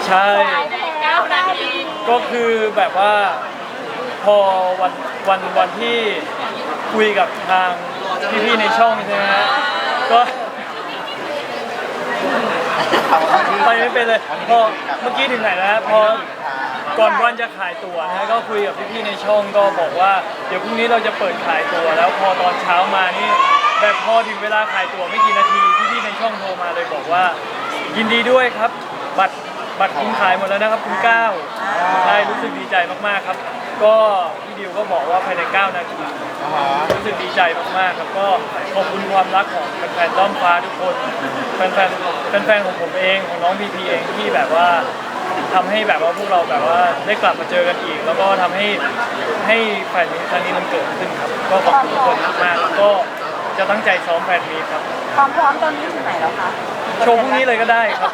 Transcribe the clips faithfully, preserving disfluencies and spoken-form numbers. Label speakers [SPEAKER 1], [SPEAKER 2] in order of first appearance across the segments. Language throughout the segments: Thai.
[SPEAKER 1] ใช่ก็คือแบบว่าพอวันวันวันที่คุยกับทางพี่ๆในช่องใช่ไหมฮะก็ไปไม่เป็นเลยพอเมื่อกี้ถึงไหนแล้วพอก่อนวันจะขายตั๋วนะก็คุยกับพี่ๆในช่องก็บอกว่าเดี๋ยวพรุ่งนี้เราจะเปิดขายตั๋วแล้วพอตอนเช้ามานี่แบบพอถึงเวลาขายตั๋วไม่กี่นาทีพี่ๆในช่องโทรมาเลยบอกว่ายินดีด้วยครับบัตรบัตรคุณขายหมดแล้วนะครับคุณก้าวใช่รู้สึกดีใจมากๆครับก็พี่ดิวก็บอกว่าภายในเก้านาทีรู้สึกดีใจมากๆครับก็ขอบคุณความรักของแฟนๆด้อมฟ้าทุกคนแฟนๆแฟนๆของผมเองของน้องพีพีเองที่แบบว่าทำให้แบบว่าพวกเราแบบว่าได้กลับมาเจอกันอีกแล้วก็ทำให้ให้แฟนมีตครั้งนี้มันเกิดขึ้นครับก็ขอบคุณทุกคนมากๆแล้วก็จะตั้งใจซ้อมแฟนมีครับ
[SPEAKER 2] ความพร้อมตอนนี้ถึงไหนแล้วคะ
[SPEAKER 1] โชว์พรุ่งนี้เลยก็ได้ครับ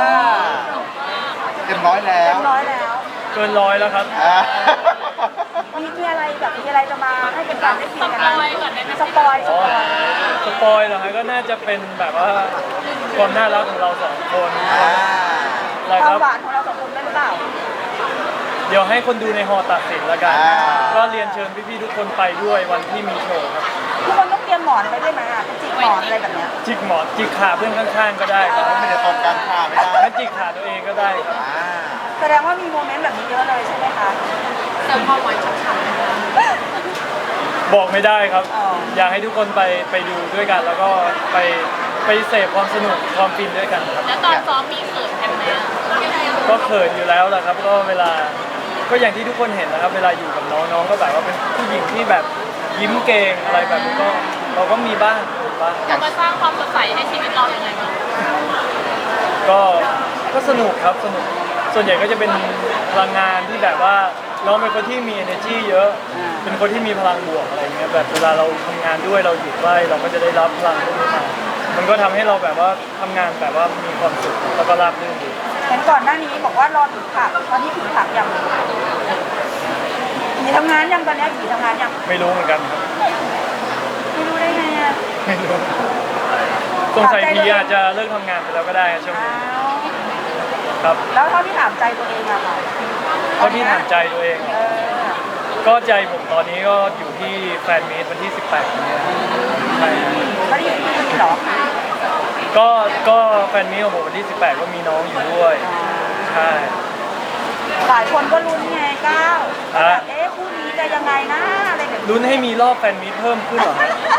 [SPEAKER 3] เต็มร้อยแล้ว
[SPEAKER 2] เต็มร้อยแล้ว
[SPEAKER 1] เกินร้อยแล้วครับ
[SPEAKER 2] มีมีอะไรแบบมีอะไรจะมาให้เป็นการได้ฟังกันสปอยสปอย
[SPEAKER 1] สปอยเหรอฮะก็น่าจะเป็นแบบว่าความน่ารักของเราสองคน
[SPEAKER 2] ความหวานของเราสองคนได้หรือเปล่า
[SPEAKER 1] เดี๋ยวให้คนดูในฮอตัดสินแล้วกันก็เรียนเชิญพี่ๆทุกคนไปด้วยวันที่มีโชว์ครับ
[SPEAKER 2] ทุกคนต้องเตรียมหมอนไปด้วยไหมอ่ะจิกหมอนอะไรแบบเนี้ย
[SPEAKER 1] จิกหมอนจิกขาเพื่อนข้างๆก็ได้ครับ
[SPEAKER 3] ไม่ได้ตรงกันขาไม่ได้
[SPEAKER 1] แล้วจิกขาตัวเองก็ได้ครับ
[SPEAKER 2] แสดงว่ามีโมเมนต์แบบนี้เยอะเลยใช่ไหมคะเติมความหวานฉ่ำ
[SPEAKER 1] ๆบอกไม่ได้ครับอยากให้ทุกคนไปไปดูด้วยกันแล้วก็ไปไปเสพความสนุกความฟินด้วยกันครับ
[SPEAKER 4] แล้วตอนซ้อมมีเขินกันไหม
[SPEAKER 1] ก็เขินอยู่แล้วแหละครับก็เวลาก็อย่างที่ทุกคนเห็นนะครับเวลาอยู่กับน้องน้องก็แบบว่าเป็นผู้หญิงที่แบบยิ้มเก่งอะไรแบบนี้ก็เราก็มีบ้างบ้าง
[SPEAKER 4] มาสร้างความสดใสให้ชีวิตเราอย่างไรบ้าง
[SPEAKER 1] ก็ก็สนุกครับสนุกส่วนใหญ่ก็จะเป็นพลังงานที่แบบว่าน้องเป็นคนที่มี energy เยอะเป็นคนที่มีพลังบวกอะไรเงี้ยแบบเวลาเราทำงานด้วยเราอยู่ใกล้เราก็จะได้รับพลังพวกนี้มามันก็ทำให้เราแบบว่าทำงานแบบว่ามีความสุขแล้วก็ราบรื่นดี
[SPEAKER 2] เห็นก่อนหน้านี้บอกว่ารอถึงผักตอนนี้ถึงผักยังผีทำงานยังตอนนี้ผีทำงานยัง
[SPEAKER 1] ไม่รู้เหมือนกันครับ
[SPEAKER 2] ไม่รู้ได้ไงอ่ะ
[SPEAKER 1] ไม่รู้สงสัยผีอาจจะเลิกทำงานไปแล้วก็ได้ช่วงนี้ครับ
[SPEAKER 2] แล้วเท่าที่ถามใจตัวเองอะค่ะ
[SPEAKER 1] เท่าที่ถามใจตัวเองก็ใจผมตอนนี้ก็อยู่ที่แฟนมีตวันที่สิบแปดนี้ใช่
[SPEAKER 2] ไม่ได้อยู่ที่นี่หรอ
[SPEAKER 1] ก็ก็แฟนมีตของผมวันที่สิบแปดก็มีน้องอยู่ด้วยใช่
[SPEAKER 2] หลายคนก็ลุ้นไงก้าวแบบเอ๊ะคู่นี้จะยังไงนะอะไรแบบ
[SPEAKER 1] ลุ้นให้มีรอบแฟนมีตเพิ่มขึ้นเหรอ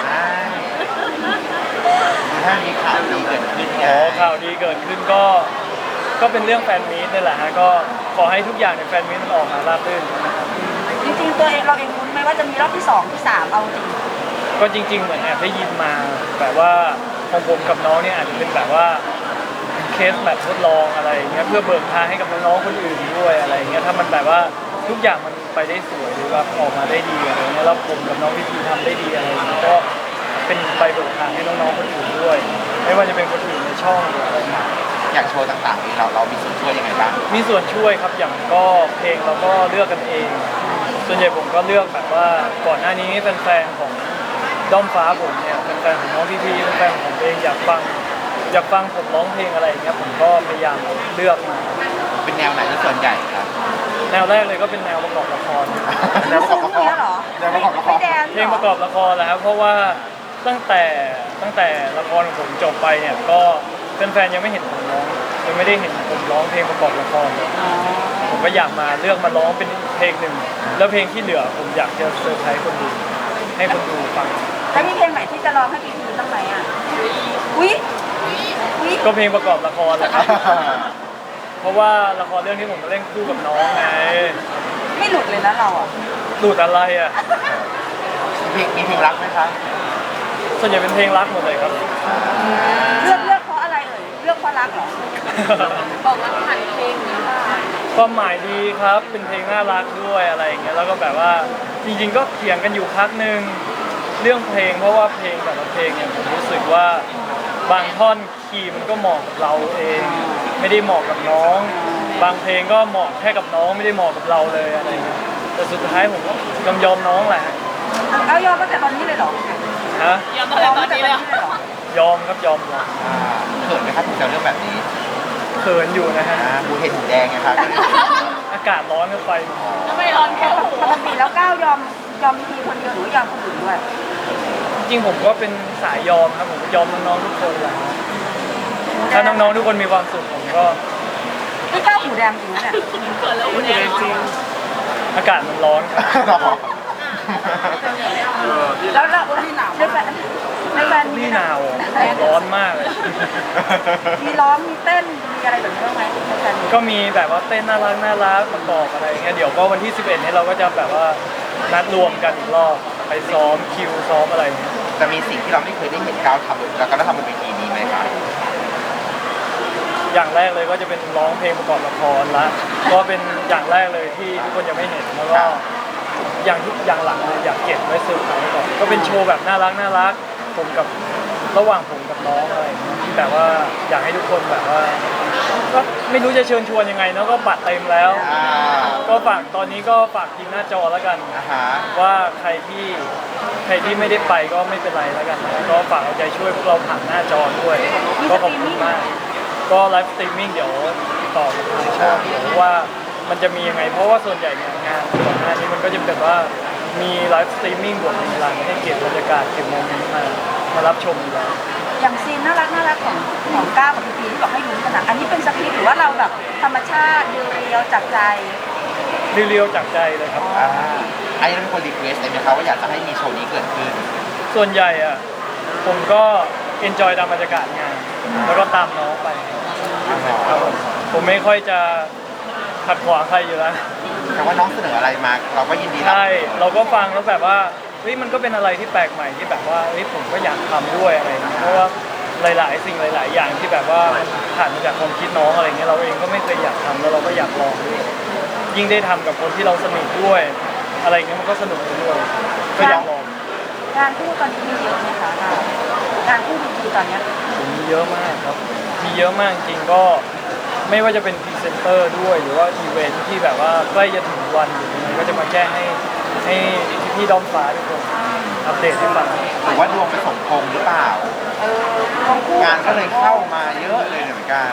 [SPEAKER 3] ถ้ามีข่าวดีเกิดขึ้น
[SPEAKER 1] อ๋อข่าวดีเกิดขึ้นก็ก็เป็นเรื่องแฟนมีตนี่แหละฮะก็ขอให้ทุกอย่างในแฟนมีตมันออกมาราบรื่น
[SPEAKER 2] จริงๆตัวเองเราเองลุ้นไหมว่าจะมีรอบที่สองที่สามเอาจริง
[SPEAKER 1] ก็จริงๆเหมือนแอบได้ยินมาแบบว่าของผมกับน้องเนี่ยอาจจะเป็นแบบว่าเคสแบบทดลองอะไรเงี้ยเพื่อเบิกทางให้กับน้องๆคนอื่นด้วยอะไรเงี้ยถ้ามันแบบว่าทุกอย่างมันไปได้สวยหรือว่าออกมาได้ดีอะไรเงี้ยแล้วผมกับน้องพี่พีทำได้ดีอะไรก็เป็นใบเบิกทางให้น้องๆคนอื่นด้วยไม่ว่าจะเป็นคนอื่นในช่องหรืออะไรเงี้ย
[SPEAKER 3] อย่างโชว์ต่างๆนี้เราเรามีส่วนช่วยยังไงบ้าง
[SPEAKER 1] มีส่วนช่วยครับอย่างก็เพลงเราก็เลือกกันเองส่วนใหญ่ผมก็เลือกแบบว่าก่อนหน้านี้แฟนๆของด้อมฟ้าผมเนี่ยแฟนๆของน้องพี่พีแฟนๆของผมเองอยากฟังอยากฟังผมร้องเพลงอะไรอย่างเงี้ยผมก็พยายามเลือกมา
[SPEAKER 3] เป็นแนวไหนที่ส่วนใหญ่ครับ
[SPEAKER 1] แนวแรกเลยก็เป็นแนวประกอบละคร
[SPEAKER 3] แนวประกอบละครเหรอแนวประกอบละคร
[SPEAKER 1] เพลงประกอบละครแหละครับเพราะว่าตั้งแต่ตั้งแต่ละครของผมจบไปเนี่ยก็แฟนๆยังไม่เห็นผมร้องยังไม่ได้เห็นผมร้องเพลงประกอบละครเลยผมก็อยากมาเลือกมาร้องเป็นเพลงหนึ่งแล้วเพลงที่เหลือผมอยากจะเซอร์ไพรส์คนดูให้คนดูฟัง
[SPEAKER 2] แล้วมีเพลงไหนที่จะร้องให้พี่พีตั้งไหมอ่ะอุ้ย
[SPEAKER 1] ก็เพลงประกอบละครแหละครับเพราะว่าละครเรื่องนี้ผมมาเล่นคู่กับน้องไง
[SPEAKER 2] ไม่หลุดเลยนะเราอ่ะ
[SPEAKER 1] หลุดอะไรอ่ะ
[SPEAKER 3] มีมีเพลงรักไหมคะ
[SPEAKER 1] ส่วนใหญ่เป็นเพลงรักหมดเลยครับ
[SPEAKER 2] เลือกเลือกเพราะอะไรเอ่ยเลือกเพราะรักเหรอบอกว่าผ่านเพลงนี้
[SPEAKER 1] ความหมายดีครับเป็นเพลงน่ารักด้วยอะไรอย่างเงี้ยแล้วก็แบบว่าจริงๆก็เถียงกันอยู่พักนึงเรื่องเพลงเพราะว่าเพลงแต่ละเพลงเนี่ยผมรู้สึกว่าบางท่อนคีย์มันก็เหมาะกับเราเองไม่ได้เหมาะกับน้องบางเพลงก็เหมาะแค่กับน้องไม่ได้เหมาะกับเราเลยอะไรเงี้ยแต่สุดท้ายผมก็ยอมยอมน้องแหละ
[SPEAKER 2] เอายอมตั้งแต่ตอนนี้เลยเหรอ
[SPEAKER 1] ฮะ
[SPEAKER 4] ยอมตั้งแต่ตอนนี้เลย
[SPEAKER 1] ยอมครับยอมยอม
[SPEAKER 3] เขินไหมครับถึงจะเรื่องแบบนี้
[SPEAKER 1] เขินอยู่นะฮะ
[SPEAKER 3] อ่าบูเห็นถุงแดงไงครับ
[SPEAKER 1] อากาศร้อนก็ไป
[SPEAKER 4] ทำไมร้อนแค่หู
[SPEAKER 2] ปกติแล้วก้าวยอมยอมทีคนเดียวหรือยอมคนอื่นด้วย
[SPEAKER 1] จริงๆผมก็เป็นสายยอมครับผมยอมน้องๆทุกคนแหละถ้าน้องๆทุกคนมีความสุขผมก็
[SPEAKER 2] นี่ก้าวหูแดงจริงนะเนี่ย
[SPEAKER 4] เขินแล้วหูแดงเหรอ
[SPEAKER 1] อากาศมันร้อนครับ
[SPEAKER 2] แล้วแล้วที่หนาวในแฟนในแฟน
[SPEAKER 1] นี่หนาวร้อนมากเลย
[SPEAKER 2] มีร้องมีเต้นมีอะไรแบบนี้บ้างไหมในแฟน
[SPEAKER 1] ก็มีแบบว่าเต้นน่ารักน่ารักประกอบอะไรอย่างเงี้ยเดี๋ยวก็วันที่สิบเอ็ดนี้เราก็จะแบบว่านัดรวมกันอีกรอบไปซ้อมคิวซ้อมอะไรอย่างเงี้ย
[SPEAKER 3] จะมีสิ่งที่เราไม่เคยได้เห็นก้าวทำแล้วก็ได้ทำบนเวทีนี้ไหมครับ
[SPEAKER 1] อย่างแรกเลยก็จะเป็นร้องเพลงประกอบละครละก็เป็นอย่างแรกเลยที่ทุกคนยังไม่เห็นแล้วก็อย่างที่อย่างหลังเลยอยากเก็บไว้เซอร์ไพรส์ก่อนก็เป็นโชว์แบบน่ารักน่ารักผมกับระหว่างผมกับน้องอะไรอย่างเงี้ยที่แบบว่าอยากให้ทุกคนแบบว่าก็ไม่รู้จะเชิญชวนยังไงเนาะก็บัตรเต็มแล้ว
[SPEAKER 3] อ่า
[SPEAKER 1] ก็ฝากตอนนี้ก็ฝากทีมหน้าจอแล้วกัน
[SPEAKER 3] อ่าฮะ
[SPEAKER 1] ว่าใครที่ใครที่ไม่ได้ไปก็ไม่เป็นไรแล้วกันนะก็ฝากเอาใจช่วยพวกเราผ่านหน้าจอด้วยก็ขอบคุณมาก ก็ไลฟ์สตรีมมิ่งเดี๋ยวติดต่อกับทางช่องเดี๋ยวว่ามันจะมียังไงเพราะว่าส่วนใหญ่เนี่ยงานก่อนหน้านี้มันก็จะเป็นว่ามีไลฟ์สตรีมมิ่งบทในหลังให้เก็บบรรยากาศเก็บโมเมนต์มามารับชมอยู่แล้ว
[SPEAKER 2] อย่างซีนน่ารักน่ารักของของก้าวกับพีพีที่บอกให้ลุ้นกันนะอันนี้เป็นสคริปต์หรือว่าเราแบบธรรมชาติเรียวๆจากใจ
[SPEAKER 1] เรียวๆจากใจเลยครับ
[SPEAKER 3] อ่าไอ้นั่นเป็นคนรีเควสต์เลยไหมครับว่าอยากจะให้มีโชว์นี้เกิดขึ้น
[SPEAKER 1] ส่วนใหญ่อะผมก็เอนจอยตามบรรยากาศงาน แล้วก็ตามน้องไปครับผมผมไม่ค่อยจะขัดขวางใครอยู่แล้ว
[SPEAKER 3] แต่ว่าน้องเสนออะไรมาเราก็ยินดีรับ
[SPEAKER 1] ใช่เราก็ฟังแล้วแบบว่าเฮ้ยมันก็เป็นอะไรที่แปลกใหม่ที่แบบว่าเฮ้ยผมก็อยากทำด้วยอะไรอย่างเงี้ยเพราะว่าหลาย ๆ สิ่งหลาย ๆ อย่างที่แบบว่าผ่านมาจากความคิดน้องอะไรเงี้ยเราเองก็ไม่เคยอยากทำแล้วเราก็อยากลองด้วยยิ่งได้ทำกับคนที่เราสนิทด้วย อะไรเงี้ยมันก็สนุกไปด้วยก็อยากลอง
[SPEAKER 2] งานคู่ตอนนี้มีเยอะไหมคะก้าวงานคู่พีพีตอนเนี้ย
[SPEAKER 1] ผมมีเยอะมากครับมีเยอะมากจริงก็ไม่ว่าจะเป็นพรีเซนเตอร์ด้วยหรือว่าอีเวนท์ที่แบบว่าใกล้จะถึงวันหรือยังไงก็จะมาแจ้งให้ให้พี่ๆด้อมฟ้าทุกคนอัปเดตให้ฟัง
[SPEAKER 3] หรือว่าดวงไปสมพงษ์หรือเปล่า
[SPEAKER 2] เออของคู่
[SPEAKER 3] งานก็เลยเข้ามาเยอะเลยเหมือนกัน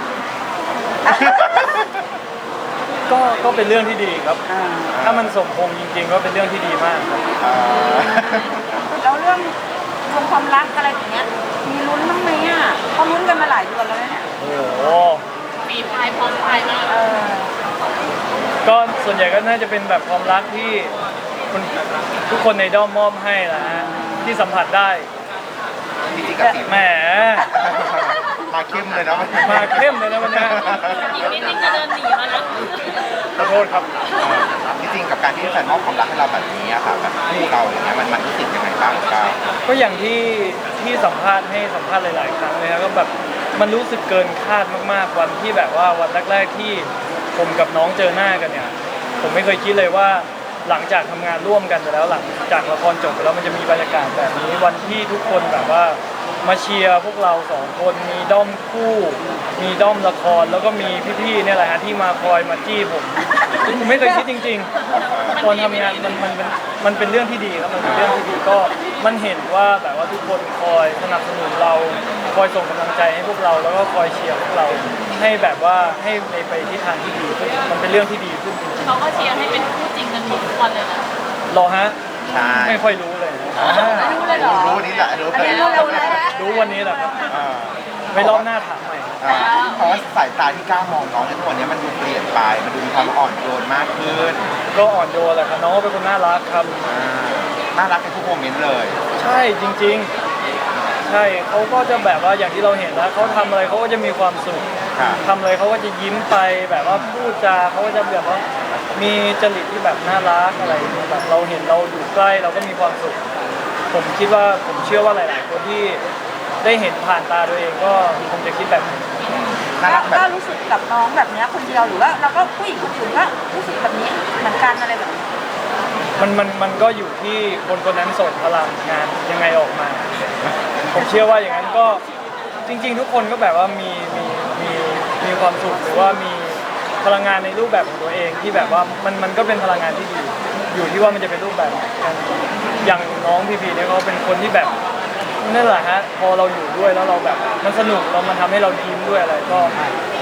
[SPEAKER 1] ก็ก็เป็นเรื่องที่ดีครับ
[SPEAKER 2] อ่า
[SPEAKER 1] ถ้ามันสมพงษ์จริง ๆ ก็เป็นเรื่องที่ดีมากครับ
[SPEAKER 3] อ่า
[SPEAKER 2] แล้วเรื่องรวมความรักอะไรอย่างเงี้ยมีลุ้นบ้างไหมอ่ะเขาลุ้นกันมาหลายเดือนแล้วเนี่ย
[SPEAKER 1] โอ้โห
[SPEAKER 4] ปีพายพร้อมพายมาก
[SPEAKER 2] เออ
[SPEAKER 1] ก็ส่วนใหญ่ก็น่าจะเป็นแบบความรักที่คนทุกคนในด้อมมอบให้นะฮะที่สัมผัสได้
[SPEAKER 3] จริงๆกับสี
[SPEAKER 1] แหม
[SPEAKER 3] มาเข้มเลยเนาะ
[SPEAKER 1] มาเข้มเลยนะวันนี้
[SPEAKER 4] อีกนิดนึงจะเดินหนีแล้วนะ
[SPEAKER 1] ขอโทษครับ
[SPEAKER 3] จริงๆกับการที่แฟนมอบความรักให้เราแบบนี้อะค่ะแบบคู่เราอย่างเงี้ยมันมันรู้สึกยังไงบ้างก้าว
[SPEAKER 1] ก็อย่างที่ที่สัมภาษณ์ให้สัมภาษณ์หลาย ๆ ครั้งเลยครับก็แบบมันรู้สึกเกินคาดมาก ๆ วันที่แบบว่าวันแรก ๆ ที่ผมกับน้องเจอหน้ากันเนี่ย ผมไม่เคยคิดเลยว่าหลังจากทำงานร่วมกันไปแล้วหลังจากละครจบไปแล้วมันจะมีบรรยากาศแบบนี้วันที่ทุกคนแบบว่ามาเชียร์พวกเราสองคนมีด้อมคู่ มีด้อมละครแล้วก็มีพี่ๆเนี่ยแหละฮะที่มาคอยมาจี้ผมผมไม่เคยคิดจริง ๆ ตอนทำงานมันมันมันมันเป็นเรื่องที่ดีครับมันเป็นเรื่องที่ดีก็มันเห็นว่าแบบว่าทุกคนคอยสนับสนุนเราคอยส่งกำลังใจให้พวกเราแล้วก็คอยเชียร์พวกเราให้แบบว่าให้ในไปทิศทางที่ดีขึ้นมันเป็นเรื่องที่ดีขึ้นจริง
[SPEAKER 4] เขาก็เชียร์ให้เป็นคู่จริงกันทุกวันเลยนะ
[SPEAKER 1] ๆรอฮะ
[SPEAKER 3] ใช่
[SPEAKER 1] ไม่ค่อยรู้เลย
[SPEAKER 3] อ่า
[SPEAKER 2] รู้เลยเหรอ
[SPEAKER 3] รู้นี่แหละรู้
[SPEAKER 2] อัน
[SPEAKER 3] เลย
[SPEAKER 2] นี้เรารู้แล้ว
[SPEAKER 1] รู้วันนี้แหละครับ
[SPEAKER 3] อ่า
[SPEAKER 1] ไว้รอบหน้าถามใหม่
[SPEAKER 3] อ่าเพราะว่าสายตาที่ก้าวมองน้องในทุกวันนี้มันดูเปลี่ยนไปมันดูมีความอ่อนโยนมากขึ้น
[SPEAKER 1] ก็อ่อนโยนแหละครับน้องก็เป็นคนน่ารักครับ
[SPEAKER 3] อ่าน่ารักในทุกโมเมนต์เลย
[SPEAKER 1] ใช่จริงๆ ใช่เขาก็จะแบบว่าอย่างที่เราเห็นแล้วเขาทำอะไรเขาก็จะมีความสุข
[SPEAKER 3] ค่ะ
[SPEAKER 1] ทำอะไรเขาก็จะยิ้มไปแบบว่าพูดจาเขาก็จะแบบว่ามีจริตที่แบบน่ารักอะไรอย่างเงี้ยแบบเราเห็นเราอยู่ใกล้เราก็มีความสุข ผมคิดว่าผมเชื่อว่าหลาย ๆ คนที่ได้เห็นผ่านตาตัวเองก็คงจะคิดแบบนี้
[SPEAKER 3] น่ารักแบ
[SPEAKER 2] ก็
[SPEAKER 3] บ
[SPEAKER 2] รู้สึกกับน้องแบบเนี้ยคนเดียวหรือว่าเราก็ผู้หญิงคนอื่นก็รู้สึกแบบนี้เหมือนกันอะไรแบบนี้
[SPEAKER 1] มันมันมันก็อยู่ที่คนคนนั้นส่งพลังงานยังไงออกมา ผมเชื่อว่าอย่างนั้นก็จริง ๆ ทุกคนก็แบบว่ามีมีมีมีความสุขหรือว่ามีพลังงานในรูปแบบของตัวเองที่แบบว่ามันมันก็เป็นพลังงานที่ดี อยู่ที่ว่ามันจะเป็นรูปแบบไหนกันอย่างน้องพีพีเนี่ยเขาเป็นคนที่แบบนั่นแหละฮะพอเราอยู่ด้วยแล้วเราแบบมันสนุกเรามันทำให้เรายิ้มด้วยอะไรก็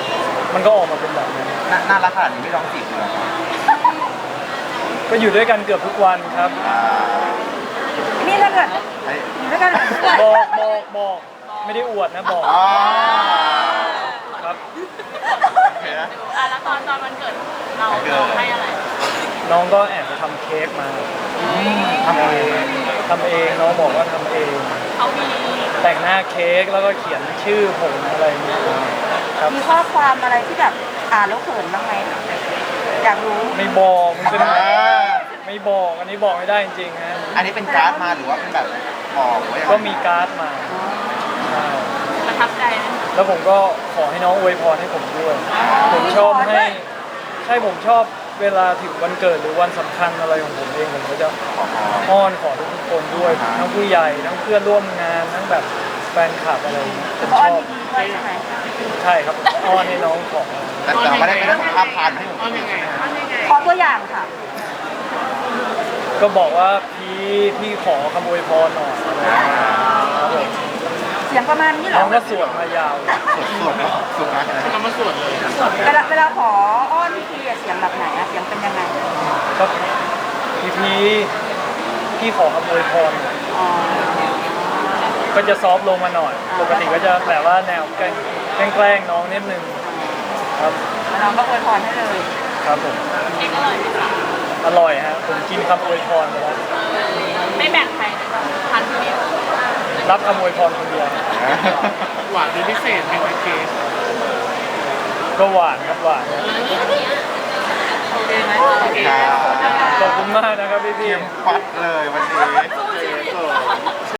[SPEAKER 1] มันก็ออกมาเป็นแบบนั้น
[SPEAKER 3] น่าน่ารักขนาดนี้ไม่ร้องจีบเลยเหรอ
[SPEAKER 1] ก็อยู่ด้วยกันเกือบทุกวันครับ
[SPEAKER 3] อ่า
[SPEAKER 2] นี่ถ้าเกิด
[SPEAKER 3] ไอ้
[SPEAKER 2] อยู่ด้วยกันแบบนี้
[SPEAKER 1] บอกบอกบอกไม่ได้อวดนะบอก
[SPEAKER 3] อ๋อ
[SPEAKER 1] ครับ
[SPEAKER 3] เห็นไหม
[SPEAKER 4] อ่ะแล้วตอนตอนวันเกิดเราเราให้อะไร
[SPEAKER 1] น้องก็แอบไปทำเค้กมา
[SPEAKER 3] ทำเอง
[SPEAKER 1] ทำเองน้องบอกว่าทำเอง
[SPEAKER 4] เขามี
[SPEAKER 1] แต่งหน้าเค้กแล้วก็เขียนชื่อผมอะไรอย่างเงี้ยครับ
[SPEAKER 2] มีข้อความอะไรที่แบบอ่านแล้วเขินบ้างไหมอยากรู้
[SPEAKER 1] ไม่บอกมันเป็น
[SPEAKER 3] อ่า
[SPEAKER 1] ไม่บอกอันนี้บอกไม่ได้จริงๆฮะ
[SPEAKER 3] อันนี้เป็นการ์ดมาหรือว่าเป็นแบบบอกไว้ยังไง
[SPEAKER 1] ก็มีการ์ดมาใช่
[SPEAKER 4] ประทับใจไหม
[SPEAKER 1] แล้วผมก็ขอให้น้องอวยพรให้ผมด้วย ผมชอบให้ใช่ผมชอบเวลาถึงวันเกิดหรือวันสำคัญอะไรของผมเองผมก็จะ
[SPEAKER 3] ขอ
[SPEAKER 1] อ้อนขอทุกคนด้วยทั้งผู้ใหญ่ทั้งเพื่อนร่วมงานทั้งแบบแฟนคลับอะไรอย่างเงี้ยผม
[SPEAKER 2] เพราะ
[SPEAKER 1] ช
[SPEAKER 2] อัน
[SPEAKER 1] อบ
[SPEAKER 2] นี้ดีด้วยใช่ไหม
[SPEAKER 1] ใช่ครับอ้อนให้น้องของ
[SPEAKER 3] แต่แต่ไม่ได้ไม่ได้ส่งภาพพานให้ผมดูใช่ไหม
[SPEAKER 2] ขอตัวอย่างค่ะ
[SPEAKER 1] ก็บอกว่าพี่พี่ขอคำอวยพรหน่อยอะไรอย่างเงี้ยครับผม
[SPEAKER 2] เสียงประมาณนี้เหร
[SPEAKER 1] น้
[SPEAKER 2] อ
[SPEAKER 1] องก็สวดมายาว
[SPEAKER 3] สุดสุดนะสุดนะ
[SPEAKER 1] ทำมาสวดเลย
[SPEAKER 2] เวลาเวลาขออ้อนพี่พีอะเสียงแบบไหนอะเสียงเป็นยังไง
[SPEAKER 1] ก็พี่พี่พี่ขอคำอวยพรหน่อย
[SPEAKER 2] อ๋อ
[SPEAKER 1] ก็จะซอฟต์ลงมาหน่อย ปกติก็จะแบบว่าแนวแกล้งแกล้งน้องนิดนึงครับ
[SPEAKER 2] แล้วน้องก็อวยพรให้เลย
[SPEAKER 1] ครับผม
[SPEAKER 4] เค้กอร่อยไหมคะ
[SPEAKER 1] อร่อยฮะผมกินคำอวยพรไปแล้ว
[SPEAKER 4] ไม่แบ่งใครทานคนเดียว
[SPEAKER 1] รับคำอวยพรคนเดียว
[SPEAKER 5] หวานเป็นพิเศษไหมคะเค้ก
[SPEAKER 1] ก็หวานครับหวาน
[SPEAKER 2] โอเคไหม
[SPEAKER 3] ครับ
[SPEAKER 1] ขอบคุณมากนะครับพี่พี่
[SPEAKER 3] เตรียมฟัดเลยวันนี้